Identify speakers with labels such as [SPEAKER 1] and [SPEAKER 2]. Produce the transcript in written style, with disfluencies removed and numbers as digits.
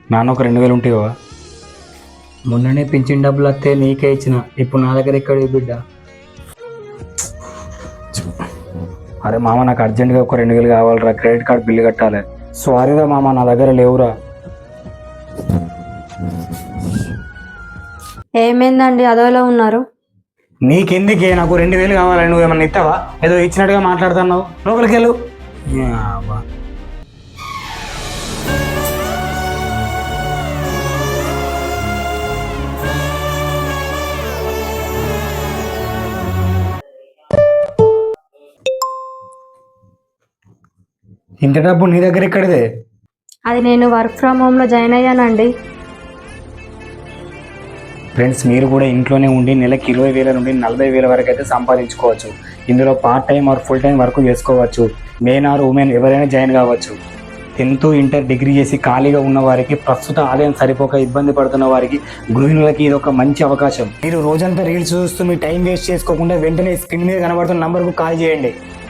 [SPEAKER 1] నాన్న ఒక 2000 ఉంటాయో?
[SPEAKER 2] మొన్ననే పింఛన్ డబ్బులు వస్తే నీకే ఇచ్చిన, ఇప్పుడు నా దగ్గర ఎక్కడ బిడ్డ?
[SPEAKER 1] అరే మామ, నాకు అర్జెంటుగా ఒక 2000 కావాలిరా, క్రెడిట్ కార్డ్ బిల్లు కట్టాలి. సారీరా మామ, నా దగ్గర లేవురా.
[SPEAKER 3] ఏమైందండి అదోలా ఉన్నారు?
[SPEAKER 1] నీకెందుకే, నాకు 2000 కావాలి. నువ్వు ఏమన్నా ఇస్తావా? ఏదో ఇచ్చినట్టుగా మాట్లాడుతున్నావు. లోపలికి వెళ్ళు. యాబ్బా. ఇంత డబ్బు నీ దగ్గర ఎక్కడిదే?
[SPEAKER 3] అది నేను వర్క్ ఫ్రమ్ హోమ్లో జాయిన్ అయ్యానండి.
[SPEAKER 1] ఫ్రెండ్స్, మీరు కూడా ఇంట్లోనే ఉండి నెలకి 20,000 నుండి 40,000 వరకు అయితే సంపాదించుకోవచ్చు. ఇందులో part time or full time work చేసుకోవచ్చు. మెన్ ఆర్ ఉమెన్ ఎవరైనా జాయిన్ కావచ్చు. 10th ఇంటర్ డిగ్రీ చేసి ఖాళీగా ఉన్న వారికి, ప్రస్తుత ఆదాయం సరిపోక ఇబ్బంది పడుతున్న వారికి, గృహిణులకి ఇది ఒక మంచి అవకాశం. మీరు రోజంతా రీల్స్ చూస్తూ మీ టైం వేస్ట్ చేసుకోకుండా వెంటనే స్క్రీన్ మీద కనబడుతున్న నంబర్కు కాల్ చేయండి.